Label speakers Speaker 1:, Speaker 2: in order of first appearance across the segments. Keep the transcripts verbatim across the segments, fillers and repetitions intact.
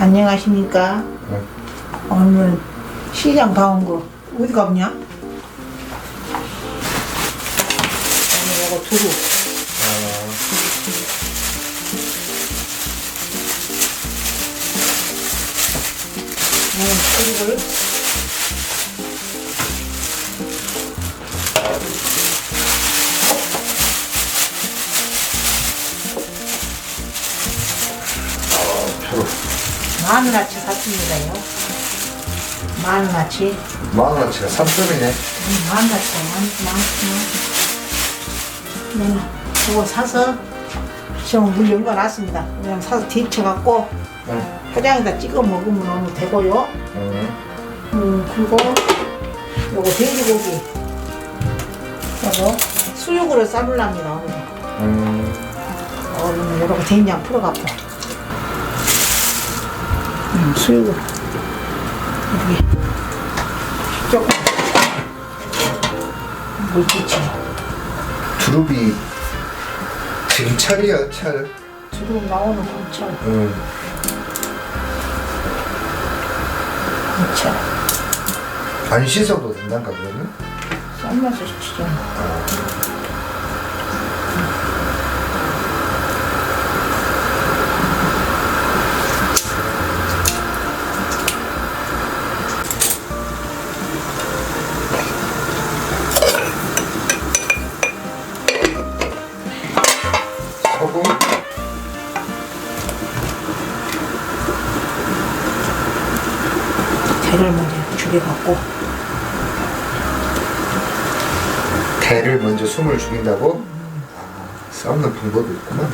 Speaker 1: 안녕하십니까?
Speaker 2: 응.
Speaker 1: 오늘 시장 가온 거 어디 가보냐? 오늘 이거 두루. 오늘 두루를 마늘아치 샀습니다요. 마늘아치.
Speaker 2: 마늘아치가 삼 점이네.
Speaker 1: 음, 마늘아치가 많구나. 네, 그거 사서 지금 물 연가놨습니다. 그냥 사서 데쳐갖고
Speaker 2: 응.
Speaker 1: 포장에다 찍어 먹으면 너무 되고요.
Speaker 2: 응.
Speaker 1: 음, 그리고 요거 돼지고기. 요거 수육으로 삶으랍니다. 오늘.
Speaker 2: 음.
Speaker 1: 오늘 요렇게 된장 풀어갖고. 음, 수육을. 여기. 조금. 물기쳐.
Speaker 2: 두릅이 지금 철이야, 철.
Speaker 1: 두루 나오는 곰철.
Speaker 2: 응.
Speaker 1: 곰철.
Speaker 2: 안 씻어도 된단가, 그러면?
Speaker 1: 삶아서 시키죠.
Speaker 2: 소금.
Speaker 1: 대를 먼저 죽여갖고.
Speaker 2: 대를 먼저 숨을 죽인다고? 아, 삶는 방법이 있구만.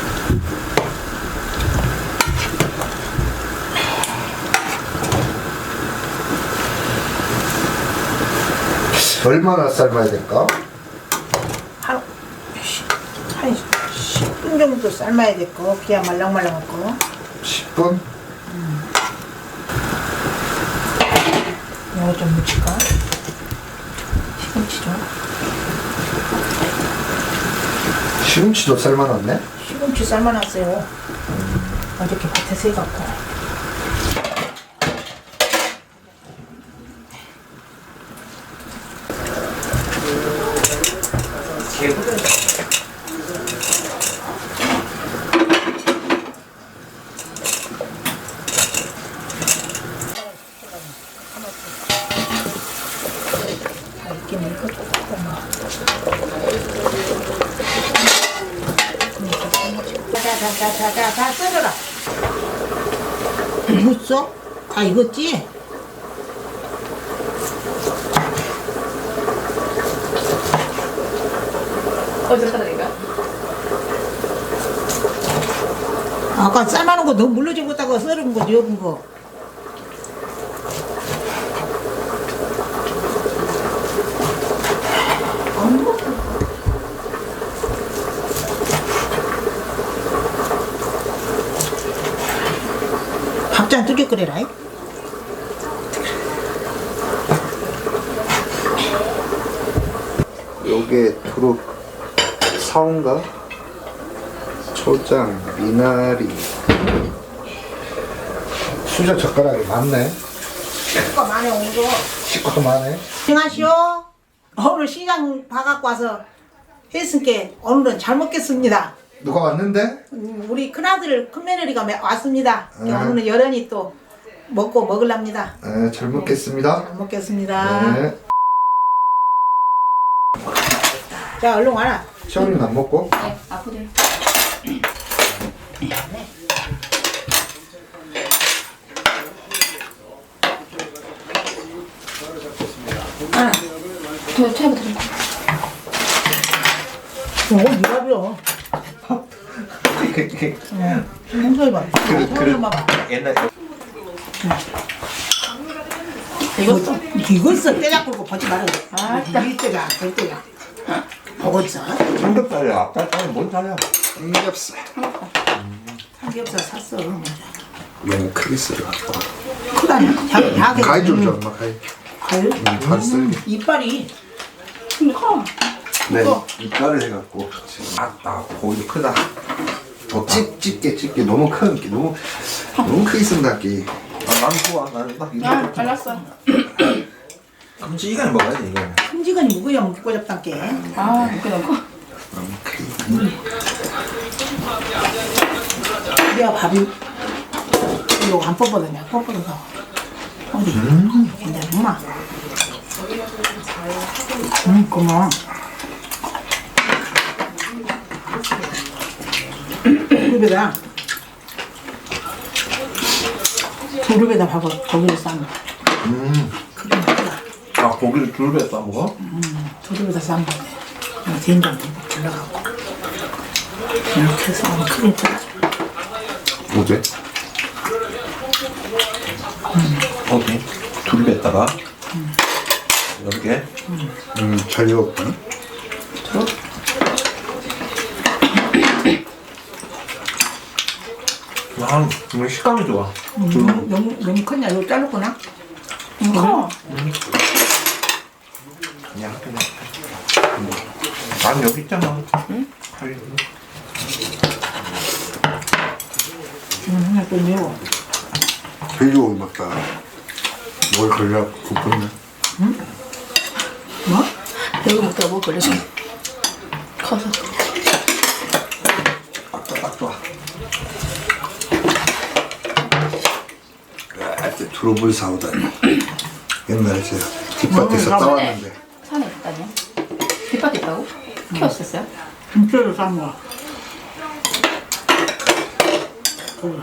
Speaker 2: 얼마나 삶아야 될까?
Speaker 1: 한, 한 십 분 정도 삶아야 될 거. 그냥 말랑말랑할 거.
Speaker 2: 십 분?
Speaker 1: 이거 좀 묻힐까? 시금치 좀.
Speaker 2: 시금치도 삶아놨네?
Speaker 1: 시금치 삶아놨어요. 어저께 밭에서 해갖고. 다 익기는 익었고. 자자자자자 다 썰어라. 익었어? 다 익었지?
Speaker 3: 어디서 사다니까?
Speaker 1: 아까 삶아놓은 거 너무 물러지고 있다가 썰은 거 여분 거. 밥잔 두개 끓여라. 이.
Speaker 2: 요게 두릅 사온가? 초장, 미나리. 수저 젓가락이 많네.
Speaker 1: 이거 많이 온 거.
Speaker 2: 식구도 많네.
Speaker 1: 안녕하시오. 오늘 시장 봐갖고 와서 했으니까 오늘은 잘 먹겠습니다.
Speaker 2: 누가 왔는데?
Speaker 1: 음, 우리 큰아들 큰며느리가 매- 왔습니다.
Speaker 2: 네.
Speaker 1: 오늘은 여련히 또 먹고 먹으랍니다.
Speaker 2: 네, 잘 먹겠습니다.
Speaker 1: 잘 먹겠습니다.
Speaker 2: 네.
Speaker 1: 자 얼른 와라.
Speaker 2: 시원이는 안 먹고?
Speaker 3: 네, 아프들.
Speaker 1: 아,
Speaker 3: 저 차이부터 좀.
Speaker 1: 이거 미밥이요. 홍소리 봐. 홍소리 봐봐.
Speaker 2: 옛날
Speaker 1: 이거 이거있어 떼잡고 보지 말아요. 아, 이 떼가 저 떼가. 먹었어?
Speaker 4: 삼겹살이야. 앞다리는 뭔 살이야?
Speaker 2: 삼겹살.
Speaker 1: 삼겹살 샀어.
Speaker 2: 너무 크게 썰어갖고.
Speaker 1: 크다냐? 작, 작게.
Speaker 2: 가위 좀 줘, 엄마 가위.
Speaker 1: 가위?
Speaker 2: 다 썰기.
Speaker 1: 이빨이.
Speaker 3: 근데 커.
Speaker 4: 네,
Speaker 1: 또.
Speaker 4: 이빨을 해갖고 지금 아따 고기도 크다. 좋다.
Speaker 2: 찝, 찝게 찝게 너무 큰 게 너무 너무 크게 쓴다 게.
Speaker 4: 아, 난 좋아. 나는 딱 이거.
Speaker 3: 아, 잘랐어.
Speaker 4: 끔찍하게 먹어야지 이거.
Speaker 1: 큼지근이 무거야 먹고 잡단게.
Speaker 3: 아, 이렇게 넣고.
Speaker 2: 너무 크게.
Speaker 1: 내가 밥이 이거 안 뻗거든요. 뻗거든요. 어디? 괜찮아, 엄마. 음, 고마워. 두릅에다 두릅에다 밥을 고기를 싸면
Speaker 4: 음.
Speaker 1: 그게 맛있다.
Speaker 4: 아, 고기를 둘배 싸 먹어?
Speaker 1: 두릅에다 싸면 돼. 된장 듬뿍 둘러갖고 이렇게 해서 하면 크게 들어.
Speaker 2: 어제?
Speaker 4: 어디? 둘배에다가 이렇게.
Speaker 2: 음, 잘 익었거든.
Speaker 4: 아, 정말 식감이 좋아.
Speaker 1: 음, 너무, 너무, 너무 크냐? 이거 자르구나?
Speaker 3: 커.
Speaker 4: 그냥 그냥. 난 여기 있잖아. 응?
Speaker 1: 음, 또 매워.
Speaker 2: 돼지고기 먹다 뭘 걸려 굽었네.
Speaker 1: 뭐?
Speaker 3: 여기 먹다가 뭐 걸려서. 커서.
Speaker 4: 딱, 딱 좋아.
Speaker 2: 아, 두릅을 사오다니. 옛날에 제가 뒷밭에서
Speaker 1: 음,
Speaker 2: 따왔는데
Speaker 3: 산에 있다뇨? 뒷밭에 있다고? 키웠었어요?
Speaker 1: 김치를 싼 거. 그거.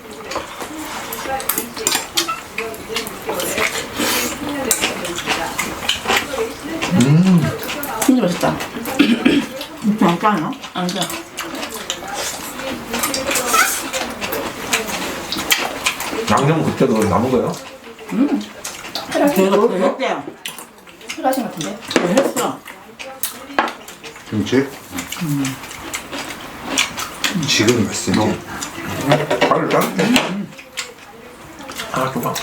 Speaker 3: 진짜 맛있다.
Speaker 1: 김치 안 짜나?
Speaker 3: 안 돼.
Speaker 4: 양념 그때도 남은 거야?
Speaker 1: 제가 그거 했대요.
Speaker 3: 필요하신 것 같은데?
Speaker 1: 그거 했어.
Speaker 2: 김치? 지금 몇 센치?
Speaker 4: 발을 자르게. 아, 좋아.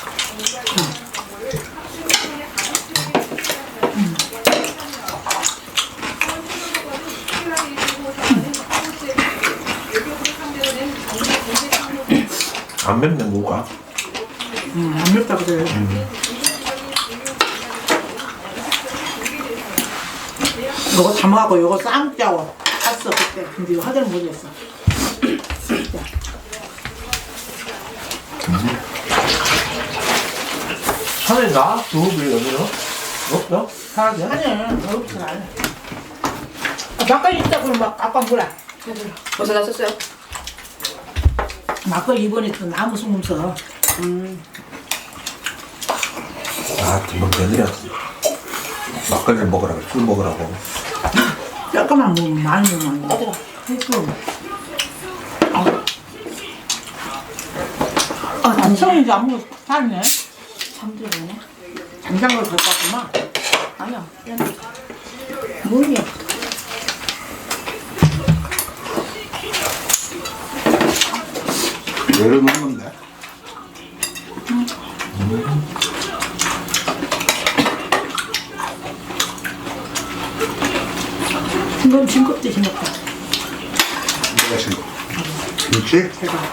Speaker 4: 안 맵네, 뭐가.
Speaker 1: 음, 안 맵다 그래. 이거 담아갖고 이거 쌈짜고 샀어 그때. 근데 이거 하들 못했어.
Speaker 4: 산에 나? 두릅이 여기는? 없어? 사야지.
Speaker 1: 아니, 어렵지 않아. 아, 막걸리 있다고 막 아까 뭐라.
Speaker 3: 벌써 다 썼어요?
Speaker 1: 막걸리 이번에 또 나무 소금 써.
Speaker 4: 아, 금방 며느리야. 막걸리를 먹으라고, 술 먹으라고.
Speaker 1: 조금만 먹으면 많이 먹으면 안 돼. 했어. 아, 남성이 이제 안 먹어서 살네.
Speaker 3: 잠들어네.
Speaker 1: 장장을 갖고 왔구만.
Speaker 3: 아니야.
Speaker 1: 모르게.
Speaker 2: 내려놓는데.
Speaker 1: 이건 징겁대 징겁다.
Speaker 2: 내가 지금 김치?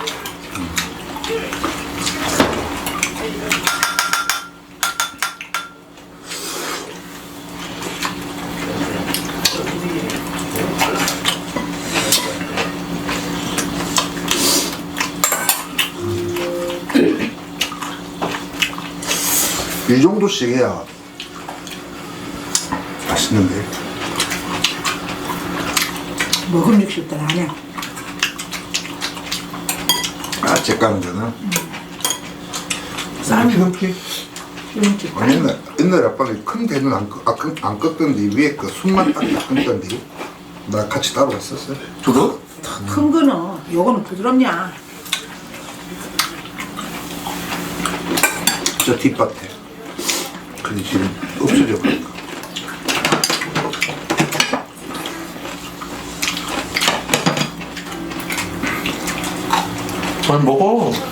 Speaker 2: 이 정도씩 해야 맛있는데.
Speaker 1: 먹음 육십도 안 해.
Speaker 2: 아, 제 까는 데는
Speaker 1: 쌈
Speaker 4: 김치?
Speaker 1: 김치.
Speaker 2: 아니, 옛날, 옛날에 아빠가 큰 대는 안, 끄, 아, 끄, 안 껐던데 위에 그 손만 딱 끊던데 나 같이 따로 갔었어요.
Speaker 4: 두릅?
Speaker 1: 큰 거는 요거는 부드럽냐.
Speaker 2: 저 뒷밭에. 근데 지금 없어져 버렸다.
Speaker 4: 잘 먹어.